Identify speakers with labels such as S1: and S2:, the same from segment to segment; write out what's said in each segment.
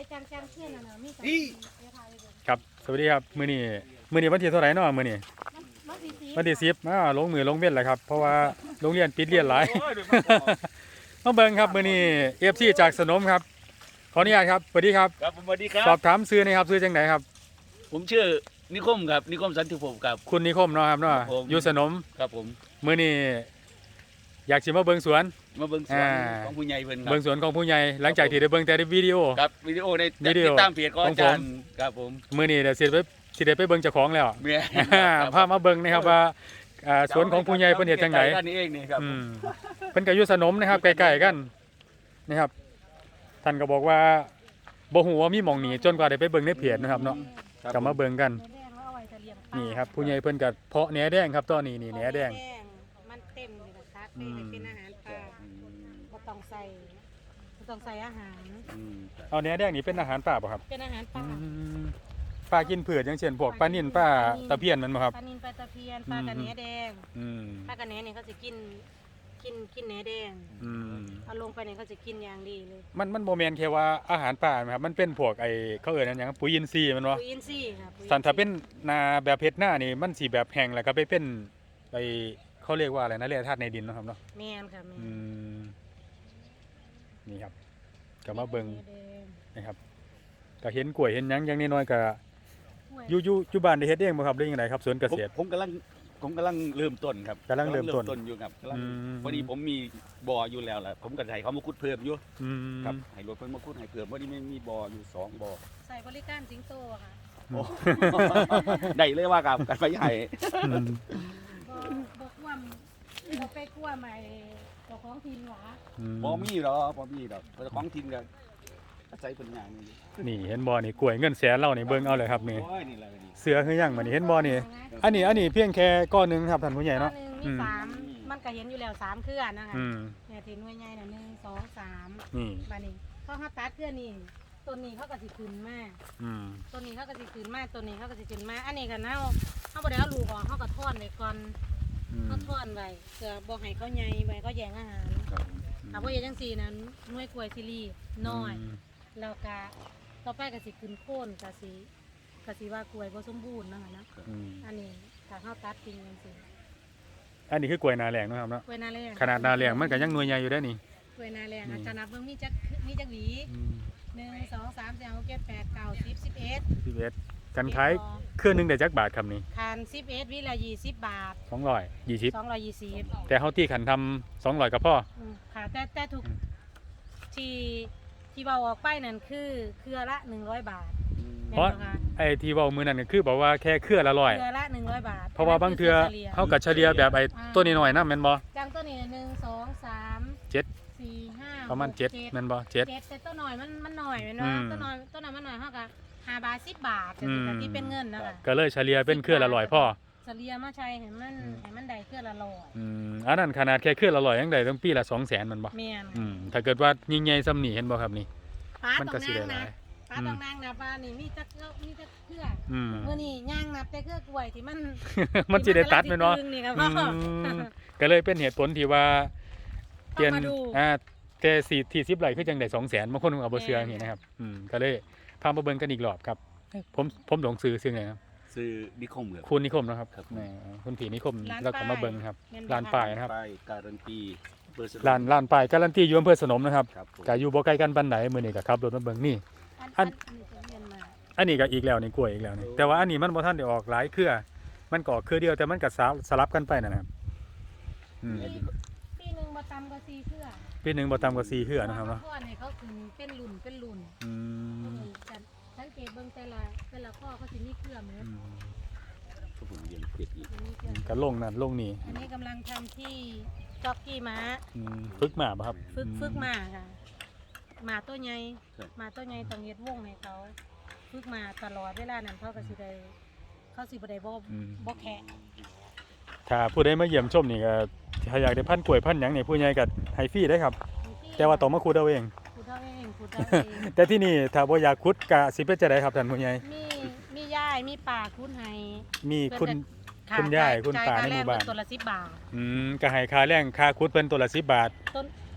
S1: จังเพื่อนน่ะนะมี
S2: ครับสวัสดีครับมื้อนี้วันที่เท่าไหร่เนาะมื้อนี้วันที่10ลงมือลงเว้นแล้วครับเพราะว่าโรงเรียนปิดเรียนหลายมาเบิ่งครับมื้อนี้ FC จากสนมครับขออนุญาตครับสวัสดีครับ
S3: ครับสวัสดีครับ
S2: สอบถามชื่อหนะครับชื่อจังไดครับ
S3: ผมชื่อนิคมครับนิคมสันติภพครับ
S2: คุณนิคมเนาะครับเนาะอยู่สนม
S3: ครับผม
S2: มื้อนี้อยากสิมาเบิ่งสวน
S3: มาเบิ่งสวนของผู้ใหญ่เพิ่นครับ
S2: เบิ่งสวนของผู้ใหญ่หลังจากที่ได้เบิ่งแต่ในวิดีโอ
S3: ครับวิดีโอในติดตามเพจของอาจารย์ครับผม
S2: มื้อนี้เดี๋ยวสิได้ไปเบิ่งเจ้าของแล้ว
S3: แม่
S2: พามาเบิ่งนะครับว่าสวนของผู้ใหญ่เพิ่นเฮ็ดจังได๋
S3: ด้านนี้เองนี่ครับ
S2: เพิ่นก็อยู่สนมนะครับใกล้ๆกันนะครับท่านก็บอกว่าบ่ฮู้ว่ามีหม่องนี้จนกว่าได้ไปเบิ่งในเพจนะครับเนาะก็มาเบิ่งกันนี่ครับผู้ใหญ่เพิ่นก็เพาะแหนแดงครับตอนนี้นี่แหนแดง
S1: มันเต็มเลยนะคะเป็นอาหารปลาบ่ต้องใส่อาหาร
S2: เอาแหนแดงนี่เป็นอาหารป่าบ่ครับ
S1: เป็นอาหารปลา
S2: ปลากินเผือกอย่างเช่นพวกปลานิ่นปลาตะเพียนมันบ่ครับ
S1: ปลานิ่นปลาตะเพียนปลากระแหนแดงปลากระแหนนี่เขาจะกินแหนแดงเอาลงไปเนี่ยเขาจะกินอย่างดีเลย
S2: มันโมเมนต์แค่ว่าอาหารป่าไหมครับมันเป็นพวกไอ้เขาเอ่ยนั่นอย่างปุ๋ยอินทรีย์มันวะ
S1: ปุ๋ยอินทรีย์ครับ
S2: สันถ้าเป็นนาแบบเพชรหน้านี่มันสีแบบแห้งแล้วก็ไปเป็นไอ้เขาเรียกว่าอะไรนะแร่ธาตุในดินนะครับเนาะ
S1: แม่นครับ
S2: นี่ครับก็มาเบิ่งนะครับก็เห็นกล้วยเห็นหยังอย่างน้อยๆก็อยู่บ้านได้เฮ็ดเองบ่ครับหรือยังไงครับสวนเกษตร
S3: ผมกำลังเริ่มต้นครับ
S2: กำลังเริ่มต้น
S3: อยู่ครับพอดีผมมีบ่ออยู่แล้วแหละผมก็ให้เขามาขุดเพิ่มอยู่ครับให้รถเพิ่นมาขุดให้เพิ่มพอดีไม่มีบ่ออยู่2บ่อ
S1: ใส่บริการสิงโตค่ะ
S3: ได้เลยว่ากับกันไปใหญ่
S1: บ่ไปกลัวใหม่เจ้าของถิ่นหว่า
S3: บ่มีดอกเจ้าของถิ่นก็อาศัยเพิ่นอย่าง
S2: นี่เห็นบ่นี่กล้วยเงินแสนเรานี่เบิ่งเอาเลยครับนี่เสือคือหยังมื้อนี้เห็นบ่นี่อันนี้เพียงแค่ก้อนนึงครับท่านผู้ใหญ่เนาะ
S1: มี3มันก็เห็นอยู่แล้ว3เครือนะคะเนี่ยที่หน่วยใหญ่น่ะ1 2 3
S2: นี่
S1: บัดนี้พอเฮาตัดเครือนี่ต้นนี้เขาก็สิขึ้นมาต้นนี้เขาก็สิขึ้นมาต้นนี้เขาก็สิขึ้นมาอันนี้ก็เฮาบ่ได้เอาลูกออกเฮาก็ถอนไว้ก่อนเฮาถอนไว้เพื่อบ่ให้เขาใหญ่ไว้เขาแย่งอาหารถ้าบ่เฮ็ดจังซี่นั้นหน่วยกล้วยสิรีน้อยแล้วก็ต่อไปก็สิขึ้นโค่นก็สิว่ากล้วยบ่สมบูรณ์นะคะนะอันนี้ถ้าเฮาตัดทิ้งจังซี่
S2: อันนี้คือกล้วยนาแรงนะครับเนาะ
S1: กล้วยนาแรง
S2: ขนาดนาแรงมันก็ยังหน่วยใหญ่อยู่ได้นี่
S1: กล้วยนาแรงอาจารย์นับเบิ่งมีจักหวี1 2 3 4 5 6 7 8 9 10 11
S2: กันขายเครื่องนึงได้จักบาทครับนี่
S1: คัน11วิละ20 บาท
S2: 220แต่เฮาที่ขันทำ200ก็พอ
S1: ค่ะแต่ทุกที่เว้าออกไปนั่นคือเครือละ100 บาท
S2: เพราะไอ้ที่เว้ามื้อนั้นก็คือบอกว่าแค่เครือละ100
S1: เครือละ100 บาท
S2: เพราะว่าบางเทื่อเฮาก็เฉลี่ยแบบไอ้ตัวน้อยๆนำแม่นบ่
S1: จังตัวนี้1 2 3 7 4 5
S2: ประมาณ7แม่นบ่7
S1: แต่ตัวน้อยมันน้อยแม่นบ่ตัวน้อยมันน้อยเฮาก็5 บาท10 บาทจังซี่ที่เป็นเงินนะคะ
S2: ก็เลยเฉลี่ยเป็นเครือละ100พอ
S1: เฉลี่ยมาใช้ให้มันได้เครือละ100
S2: อันนั้นขนาดแค่เครือละ100ยังได้ต้องปีละ200,000มันบ่
S1: แม่น
S2: ถ้าเกิดว่ายิ่งใหญ่ซำนี้เห็นบ่ครับนี่
S1: มันก็สิได้หลายป้าต้องนั่งนับว่านี่มีจักเครือมื้อนี้ย่างนับแต่เครือกล้วยที่
S2: มันสิได้ตัดแม่นบ่ก็เลยเป็นเหตุผลที่ว่าเปลี่ยนแต่ที่10ไร่คือจังได้200,000บางคนเอาบ่เชื่ออย่างนี้นะครับก็เลยพามาเบิ่งกันอีกรอบครับผมหลงซื้อไงครับ
S3: ซื้อนิคมครับ
S2: คุณนิคมนะครับคุณผีนิคมแล้วก็มาเบิ่งครับร้านป้ายนะครับ
S3: การันตี
S2: ร้านป้ายการันตีอยู่อำเภอสนมนะครับก็อยู่บ่ไกลกันปานใดมื้อนี้ก็ขับรถมาเบิ่งนี่อันนี้ก็อีกแล้วนี่กล้วยอีกแล้วนี่แต่ว่าอันนี้มันบ่ทันได้ออกหลายเครือมันก็ออกเครือเดียวแต่มันก็สลับกันไปนะครับ
S1: ปีนึงบ่ต่ำกว่า4เครือ
S2: ปีนึงบ่ต่ำกว่า4เครือนะครับเนาะ
S1: ข้อนี่เขาขึ้นเป็นรุ่นสังเกตเบิ่งแต่ละข้อเขาสิมีเครือเหมือน
S2: ก็ลงนั่นลงนี่
S1: อันนี้กำลังทำที่จ็อกกี้ม้า
S2: ฝึกม้าป่ะครับ
S1: ฝึกม้าค่ะม้าตัวใหญ่ต้องเฮ็ดวงให้เขาฝึกม้าตลอดเวลานั้นเขาสิบ่ได้บ่แข็ง
S2: ถ้าผู้ใดมาเยี่ยมชมนี่ก็ถ้าอยากได้พันกล้วยพันหยังนี่ผู้ใหญ่ก็ให้ฟรีได้ครับแต่ว่าต้องมาขุดเอาเองแต่ที่นี่ถ้าบ่อยากขุดก็สิเป็นจังได๋ครับท่านผู้ใหญ่
S1: มียายมีป้าขุดให้
S2: มีคุณยายคุณป้าในหมู่บ้าน
S1: ตัวละ10 บาท
S2: ก็ให้ค่าแรงค่าขุดเพิ่นตัวละ10 บาท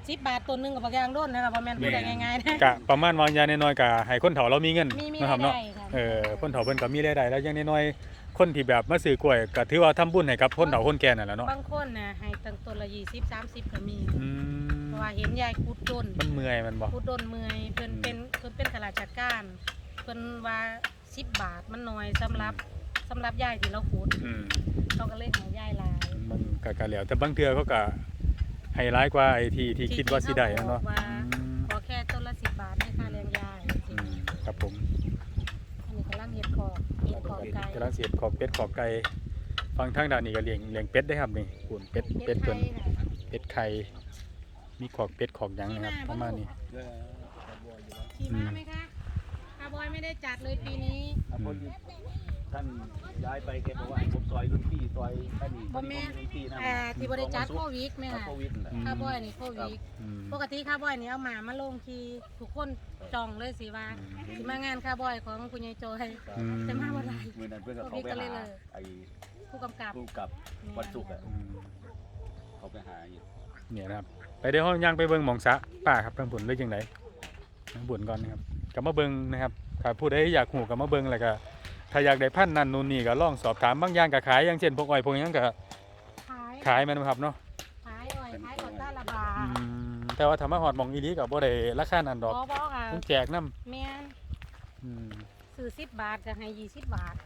S1: 10 บาทตัวหนึงกับบักยางโดนนะครับบ่แม่นพูดได้ง่ายๆนะ
S2: กะประมาณวางยาน้อยๆกะให้คนเฒ่าเรามีเงิน
S1: มี
S2: นะครับ
S1: ได้
S2: เนาะ
S1: ค่ะ
S2: คนเฒ่าเพิ่นก็มีรายได้แล้วอย่างน้อยๆคนที่แบบมาซื้อกล้วยก็ถือว่าทำบุญให้กับคนเฒ่าคนแก่นั่นแหละเนาะ
S1: บางคนน่ะให้ตั้งต้นละ20 30ก็มี
S2: อืม
S1: เพราะว่าเห็นยายขุดต้น
S2: มันเมื่อยมันบ่
S1: ขุดต้นเมื่อยเพิ่นเป็นข้าราชการเพิ่นว่า10 บาทมันน้อยสำหรับยายที่เราขุด
S2: อืม
S1: เขาก็เลยให้ยายหลาย
S2: มันก็แล้วแต่บางเทื่อเขาก็ให้ร้ายกว่าไอ้ที่คิดว่าสิได้เนาะ
S1: ว่า
S2: อืม
S1: ขอแค่ต้นละ10 บาทให้ค่าแรงยาย
S2: อืมครับผม
S1: อันนี้กำลังเห็ดขอกไก่
S2: กำลังเสียบขอกเป็ดขอกไก่ฟังทางด้านนี้ก็เลี้ยงเป็ดได้ครับนี่คุณเป็ด
S1: ไท
S2: เพิ่น
S1: ยน่ะ
S2: เป็ดไข่มีขอกเป็ดขอกหยังนะครับประมาณนี้
S1: ขี่ม้าไหมคะคาร์บอยไม่ได้จัดเลยปีนี้
S3: ท่านย้ายไปแกบอกว่าผมซอยรุ่นพี่ซอยท่านนี่
S1: บ่แม่น
S3: รุ่นพี่นะ
S1: ที่บริจัดโควิดไหมคะ
S3: โควิดนั่นแหละ
S1: คาร์บอยนี่โควิด
S2: อืม
S1: ปกติคาร์บอยนี่เอาหมามาลงทีทุกคนจองเลยสิว่าสิมางานคาร์บอยของคุณยายโจย
S2: อืม
S1: จะมาวันไหน
S3: เมื่อนั้นเพื่อนก็เขาไปหาไอ้
S1: ผู้กำกับ
S3: ผู้กับวันศุกร์อะ
S2: อืม
S3: เขาไปหาอยู่
S2: เนี่ยนะครับไปเดี๋ยวเราย่างไปเบิ่งหม่องสระป้าครับทางบุญเลยจังไดทางบุญก่อนนะครับกลับมาเบิ่งนะครับถ้าผู้ใดอยากหูกลับมาเบิ่งแล้วก็ถ้าอยากได้พันธุ์นั่นนู่นนี่ก็ลองสอบถามบางอย่างก็ขายอย่างเช่นพวกอ้อยพวกหยังก็
S1: ขาย
S2: แม่นบ่ครับเนาะ
S1: ขายอ้อยขายขอต้าระบา
S2: อืมแต่ว่าถ้ามาฮอดหม่องอีหลีก็บ่ได้ราคานั้นดอก
S1: บ่ค่ะ
S2: ต้องแจกนํ
S1: แม่น
S2: อืม
S1: ซื้อ10 บาทก็ให้20 บาท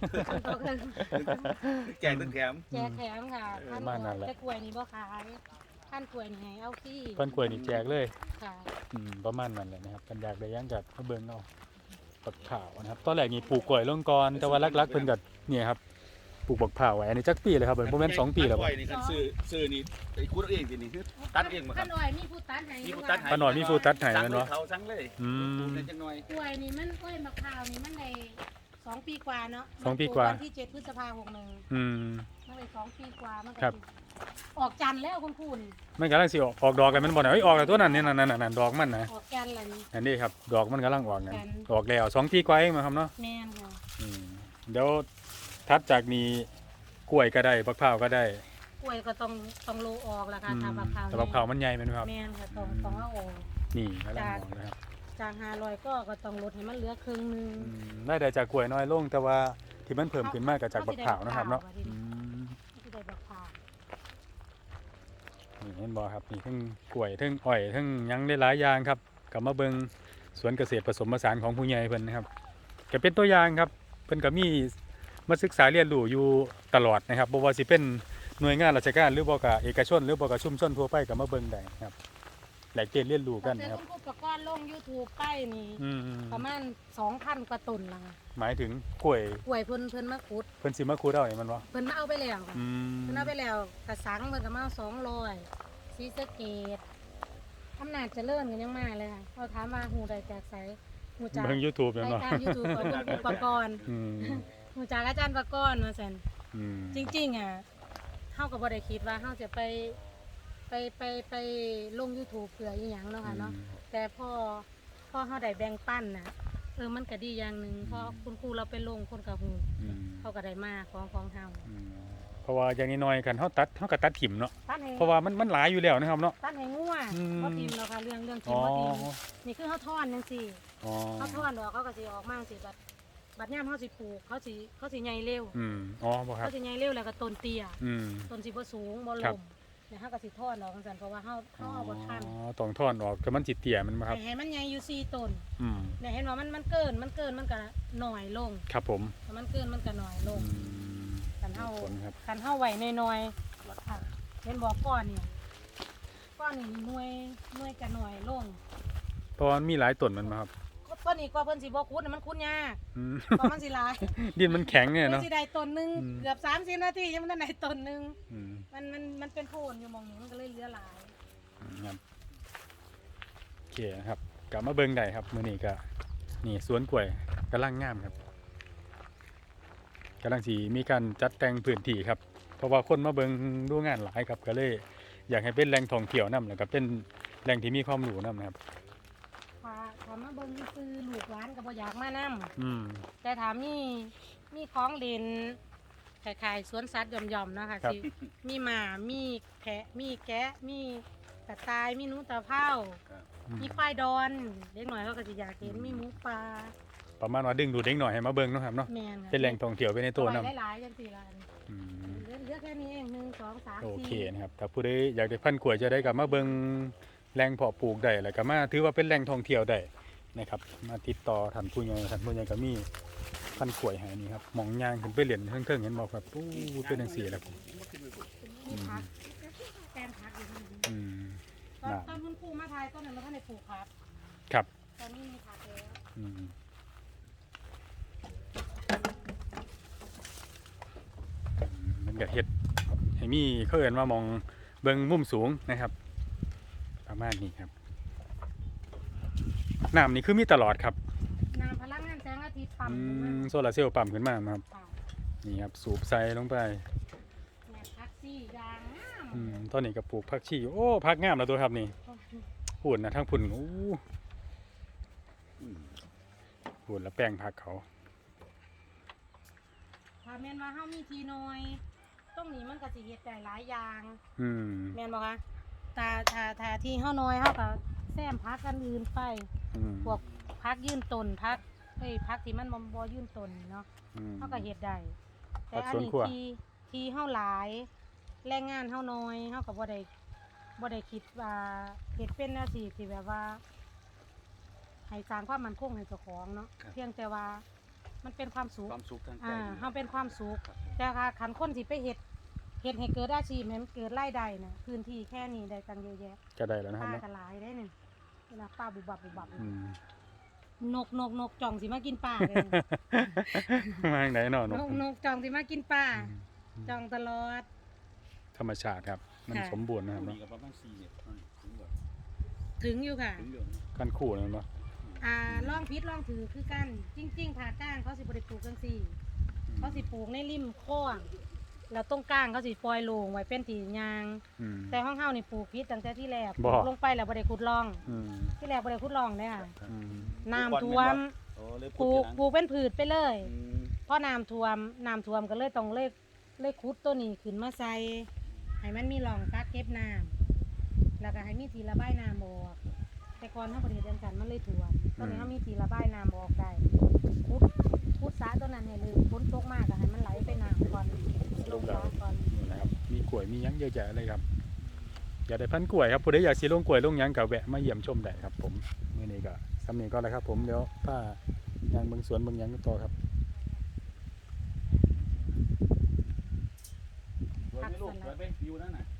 S3: แจกตึ้งแถม
S1: แจกแถมค่ะท่าน
S2: บ้านนั่นแหละ
S1: แต่กล้วยนี่บ่ขายท่านกล้วยนี่ให้เอาฟรี
S2: เพิ่นกล้วยนี่แจกเลย
S1: ค่ะ
S2: ประมาณนั้นแหละนะครับกันอยากได้หยังก็มาเบิ่งเอาบักข่าวนะครับตอนแรกนี่ปลูกกล้วยลงก่อนแต่ว่าลักๆเพิ่นก็เนี่ยครับปลูกบักข่าวไว้อันนี้จักปีเลยครับเพิ่นบ่แม่น2 ปีแล้วบ่
S3: นี่คันซื้อนี่ไอ้คูดเองสินี่คือตัดเองมาครั
S1: ท่า
S3: บ
S1: นอ้อยมีผู้ตัดให้
S3: มี
S1: อยู่
S3: ผู้ตัด
S1: ค่ะ
S3: ให้
S2: ป้าหน่อยมีผู้ตัดให้
S3: สั่ง
S2: แม่น
S3: เล
S2: บ่
S3: ยเขาสั่งเลย
S2: อืม
S3: ปลูกได้จังหน่อย
S1: กล้วยนี่มันกล้วยมะพร้าวนี่มันได้2 ปีกว่าเนาะ
S2: 2 ปีกว่า
S1: วันที่7 พฤษภาคม61
S2: อืม
S1: มันได้2 ปีกว่ามันก็
S2: ครับ
S1: ออกจันทร์แล้วคุณคุณ
S2: มันกำลังสิออกดอกแล้วมันบ่น่ะเอ้ยออกแล้วตัวนั้นนี่นั่นดอกมันนะ
S1: ออกจันทร์แล้วนี่
S2: อันนี้ครับดอกมันกำลังออกนะ
S1: กัน
S2: ออกแล้ว2 ปีกว่าเองนะครับเนาะ
S1: แม่นค่ะ
S2: อืมเดี๋ยวถัดจากนี้กล้วยก็ได้บักพร้าวก็ได้
S1: กล้วยก็ต้องโลออกล่ะค่ะ
S2: อืม
S1: ถ้าบักพร้าว
S2: แต่บักพร้าวมันใหญ่แม่นบ่ครับ
S1: แม่นค่ะต้องเอาออก
S2: นี่กำลังออกนะครับ
S1: จาก500ก็ต้องลดให้มันเหลือครึ่งหนึง
S2: ได้จากกล้วยน้อยลงแต่ว่าที่มันเพิ่มขึ้นมากก็จากบักพร้าวนะครับเนาะ
S1: เอาสิได้บักพร้าว
S2: อืม
S1: ที่ได้บักพร้าว
S2: นี่เห็นบ่ครับนี่ทั้งกล้วยทั้งอ้อยทั้งหยังได้หลายอย่างครับก็มาเบิ่งสวนเกษตรผสมผสานของผู้ใหญ่เพิ่นนะครับก็เป็นตัวอย่างครับเพิ่นก็มีมาศึกษาเรียนรู้อยู่ตลอดนะครับบ่ว่าสิเป็นหน่วยงานราชการหรือบ่ก็เอกชนหรือบ่ก็ชุมชนทั่วไปก็มาเบิ่งได้นะครับแลกเปลี่ยนเรียนรู้กันนะครับ
S1: แต่คุณครูประกอบลง YouTube ไปนี่
S2: อืม
S1: ประมาณ 2,000 กว่าต้นละค่ะ
S2: หมายถึงกล้วย
S1: กล้วยเพิ่นมาขุด
S2: เพิ่นสิมาคูดเอานี่มันบ่
S1: เพิ่นมาเอาไปแล้วค่ะ
S2: อืม
S1: เพิ่นเอาไปแล้วกระสังเพิ่นก็มาเอา200ศรีสะเกษอำนาจเจริญก็ยังมาเลยค่ะเขาถามว่าหูใดจากไสหูจาก
S2: เบิ่ง YouTube แม่น
S1: รา
S2: บ่
S1: ยการ YouTube ของคุณครูประกอบ
S2: อืม
S1: หูจากอาจารย์ประกอบว่าซั่น
S2: อืม
S1: จริงๆอ่ะเฮาก็บ่ได้คิดว่าเฮาจะไปลง YouTube เพื่ออีหยังเนาะค่ะเนาะ แต่พอเฮาได้แบ่งปันน่ะมันก็ดีอย่างหนึงเพราะคุณครูเราไปลงคนก็ฮู้
S2: อืม
S1: เขาก็ได้มาของเฮา
S2: อืมเพราะว่าอย่างน้อยๆกันเฮาตัดเฮาก็ตัดถิ่มเนาะ
S1: ตัดให้
S2: เพราะว่ามันหลายอยู่แล้วนะครับเนาะ
S1: ตัดให้งัว
S2: อืม
S1: บ่ทิมแล้วค่ะเรื่องทิ
S2: อ๋
S1: ม
S2: อ
S1: บ่ทิมนี่คือเฮาทอนจังซี่
S2: อ๋อ
S1: เฮาทอนดอกเขาก็สิออกมาสิบัดยามเฮาสิปลูกเขาสิใหญ่เร็ว
S2: อ๋อบ่ครับ
S1: เขาสิใหญ่เร็วแล้วก็ต้นเตี้ย
S2: อืม
S1: ต้นสิบ่สูงบ่
S2: ครั
S1: ล
S2: บ
S1: มเนี่ยเฮาก็สิทอนดอกจังซั่นเพราะว่าเฮาเอาบ่ทัน
S2: ต้องถอนออกแต่มันจิตเตี่ยมันบ่ครับ
S1: ให้มันใหญ่อยู่4ต้น
S2: อืม
S1: เนี่ยเห็นว่ามันเกินมันก็หน่อยลง
S2: ครับผม
S1: ถ้ามันเกินมันก็หน่อยล
S2: อื
S1: ง
S2: ม
S1: กันเฮา
S2: ผลครับ
S1: กันเฮาไว้น้อยๆค่ะเห็นบอกก้อนเนี่ยก้อนนี่หน่วยก็หน่อยลง
S2: เพราะว่ามันมีหลายต้นมันบ่ครับ
S1: ก้อนนี้ก็เพิ่นสิบ่ขุดน่ะมันขุดยาก
S2: อืม
S1: เพราะมันสิหลาย
S2: ดินมันแข็งเนี่ย
S1: เพิ่
S2: เนาะ
S1: นสิได้ต้นหนึง
S2: อืม
S1: เกือบ30นาทียังบ่ทันได้ต้นหนึง
S2: อืม
S1: มันเป็นโพนอยู่หมองนี้มันก็เลยเหลือหลาย
S2: ครับโอเคนะครับกลับมาเบิ่งได้ครับมื้อนี้ก็นี่สวนกล้วยกำลังงามครับกำลังสิมีการจัดแต่งพื้นที่ครับ เพราะว่าคนมาเบิ่งดูงานหลายครับก็เลยอยากให้เป็นแหล่งท่องเที่ยวนํแล้วก็เป็นแหล่งที่มีความรู้นํนะครับ
S1: ถ้ามาเบิ่งซื่อๆลูกหลานก็บ่อยากมานํ
S2: อืม
S1: แต่ถามมีของเล่นคล้ายๆสวนสัตว์หย่อมๆเนาะค่ะ
S2: ครับ
S1: สิมีหมามีแพะมีแกะมีกระต่ายมีหนูตะเภามีควายดอนเด็กหน่อยเขาก็สิอยากเห็นมีหมูป่า
S2: ประมาณว่าดึงดูดเด็กหน่อยให้มาเบิ่งเนาะครับเนาะ
S1: แม่นค่ะ
S2: เป็นแหล่งท่องเที่ยวไปในตัว
S1: เอา
S2: นํ
S1: ไว้หลายๆจังซี่ล่ะ
S2: อืม
S1: เหลือแค่นี้เอง1 2 3 4
S2: โอเคนะครับถ้าผู้ใดอยากได้พันธุ์กล้วยจะได้กลับมาเบิ่งแหล่งเพาะปลูกได้แล้วก็มาถือว่าเป็นแหล่งท่องเที่ยวได้นะครับมาติดต่อท่านผู้ใหญ่ก็มีพันธุ์กล้วยให้นี่ครับหมองย่างขึ้นไปเหรียญเทิงๆเห็นบ่ครับปู้เป็นจังซี่แหละครับ
S1: มีผักแปลงผักอยู่นี่
S2: อืม
S1: ตอนคุณครูมาทายต้นนั้นมันท่านได้ปลูกครับ
S2: ครับ
S1: ตอนนี้มีผักแล้ว
S2: อืมมันก็เฮ็ดให้มีเขาเอิ้นว่ามองเบิ่งมุมสูงนะครับ ประมาณนี้ครับน้ำนี่คือมีตลอดครับ
S1: น้ำพลังงานแสงอาทิตย์ปั๊ม
S2: อื
S1: ขึ้นมาม
S2: โซลาร์เซลล์ปั๊มขึ้นมาครับ
S1: ค่ะ
S2: นี่ครับสูบใส่ลงไป
S1: แม่ผักซี่ยางงาม
S2: ตอนนี้ก็ปลูกผักชีโอ้ผักงามแล้วตัวครับนี่พุ่นนะทั้งพุ่นโอ้พุ่นแล้วแป้งผักเขา
S1: ถ้าแม่นว่าเฮามีทีน้อยตรงนี้มันก็สิเฮ็ดได้หลายอย่าง
S2: อืม
S1: แม่นบ่คะถ้าที่เฮาน้อยเฮาก็แซมผักอันอื่นไป
S2: อืม
S1: พวกผักยืนต้นผักผักที่มันบ่ยืนต้นเนาะ
S2: อืม
S1: เฮาก็เฮ็ดได้แต่
S2: ผัก
S1: อัน
S2: สวน
S1: นี้
S2: ครัว
S1: ที่เฮาหลายแรงงานเฮาน้อยเฮาก็บ่ได้คิดว่าเฮ็ดเป็นอาชีพที่แบบว่าให้สร้างความมั่นคงให้เจ้าของเนาะเพียงแต่ว่ามันเป็นความสุข
S3: ความสุขทางใจ
S1: เฮาเป็นความสุขแต่ค่ะคันคนสิไปเฮ็ดให้เกิดอาชีพให้มันเกิดรายได้น่ะพื้นที่แค่นี้ได้ตั้งเยอะแยะ
S2: ก็ได้แล้วนะครับ
S1: ป้า
S2: เนาะ
S1: ก็หลายได้นี่เวลาป้าบุบบับ
S2: อืม
S1: นกจ่องสิมากินป้าเลย
S2: มาทางไหนเนาะนก
S1: นกจ่องสิมากินป้าจ่องตลอด
S2: ธรรมชาติครับ มัน
S1: ค่ะ
S2: สมบูรณ์นะครับ
S3: มี
S2: เนาะ
S3: กับประมาณ4เนี่ยถึงแบบ
S1: ถึงอยู่ค่ะ
S3: ถึงเรื่อง
S2: กันคู่นั่นเนาะ
S1: ล่องพิษล่องถือคือกันจริงๆผ่าก้างเขาสิบริปลูกจังสี่เขาสิปลูกในริมโค้งแล้วตรงกลางเขาสิปล่อยโลงไว้เป็นตียาง
S2: อืม
S1: แต่ห้องเฮานี่ปลูกพิษตั้งแต่ที่แรก
S2: บ่
S1: ปลูกลงไปแล้วบ่ได้ขุดร่อง
S2: อืม
S1: ที่แรกบ่ได้ขุดร่องเลยค่ะ
S2: อืม
S1: น้ำท่วม
S3: โอ้เลย
S1: ปลูกเป็นผืชไปเลย
S3: อืม
S1: เพราะน้ำท่วมก็เลยต้องเลยขุดตัวนี้ขึ้นมาใส่ให้มันมีร่องกักเก็บน้ำแล้วก็ให้มีที่ระบายน้ำออกแต่ก่อนเฮาบ่ได้เฮ็ดจังซั่นมันเลยท่วมตอนนี้เฮามีที่ระบายน้ำออกได้ขุดสระตัวนั้นให้เลยฝนตกมากก็ให้มันไหลไปน้ำก่อนลงสระก่อน
S2: นี่นะครับมีกล้วยมีหยังเยอะแยะเลยครับอยากได้พันธุ์กล้วยครับผู้ใดอยากสิลงกล้วยลงหยังก็แวะมาเยี่ยมชมได้ครับผมมื้อนี้ก็สำเนียงก็แล้วครับผมเดี๋ยวป้ายางเบิ่งสวนเบิ่งหยังต่อครับ
S3: สวยไหมลูกสวยไหมวิวนั่นน่ะ